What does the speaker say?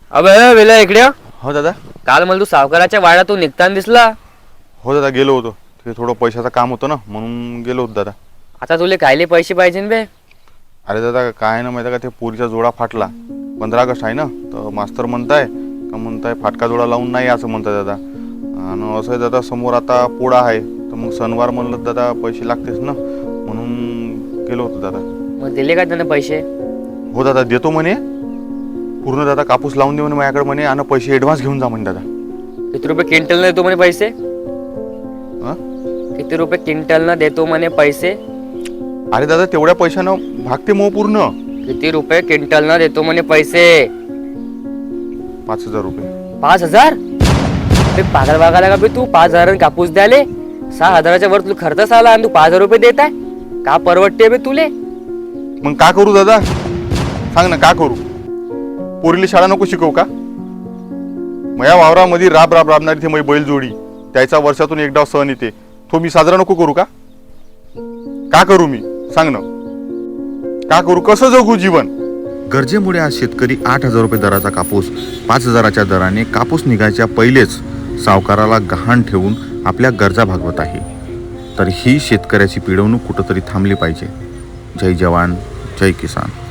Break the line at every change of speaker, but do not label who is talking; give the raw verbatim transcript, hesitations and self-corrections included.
अबे वेला इकडे ये.
हो दादा.
काल मला तू सावकाराच्या वाड्यातून निघताना दिसला.
हो दादा गेलो होतो, ते थोडं पैशाचं काम होतं ना म्हणून गेलो होतो दादा.
आता तुले कायले पैसे पाहिजे बे?
अरे दादा काय ना माहिती का, ते पोरीचा जोडा फाटला. पंधरा ऑगस्ट आहे ना, तर मास्तर म्हणताय का म्हणताय फाटका जोडा लावून नाही असं म्हणताय दादा. आणि असं आहे दादा, समोर आता पोळा आहे, तर मग सणवार म्हणलं दादा पैसे लागतेच ना, म्हणून गेलो होतो दादा.
मग दिले का त्यानं पैसे?
हो दादा देतो म्हणे, पूर्ण दादा कापूस लावून दे म्हणे माझ्याकडे म्हणे, आणि पैसे ॲडव्हान्स घेऊन जा म्हणे दादा.
किती रुपये क्विंटल देतो म्हणे पैसे?
हां
किती रुपये क्विंटल न देतो म्हणे पैसे?
अरे दादा तेवढ्या पैशानं भागते मग पूर्ण.
किती रुपये क्विंटल न देतो म्हणे पैसे?
पाच हजार रुपये.
पाच हजार? बे पागल वागायला का बे तू? पाच हजार कापूस द्याले सहा हजाराच्या वर तुला खर्च आला आणि तू पाच हजार रुपये देत आहे का? परवडते बे तुले?
मग का करू दादा, सांग ना का करू? पोरीला शाळा नको शिकवू का? मया वावरामध्ये राब राब राबणारी ती माझी बैलजोडी, त्याचा वर्षातून एकदा सण येते, तो मी साजरा नको करू का? का करू मी, सांग ना का करू? कसं जगू जीवन?
गरजेमुळे आज शेतकरी आठ हजार रुपये दराचा कापूस पाच हजाराच्या दराने कापूस निघायच्या पहिलेच सावकाराला गहाण ठेवून आपल्या गरजा भागवत आहे. तर ही शेतकऱ्याची पिळवणूक कुठंतरी थांबली पाहिजे. जय जवान जय किसान.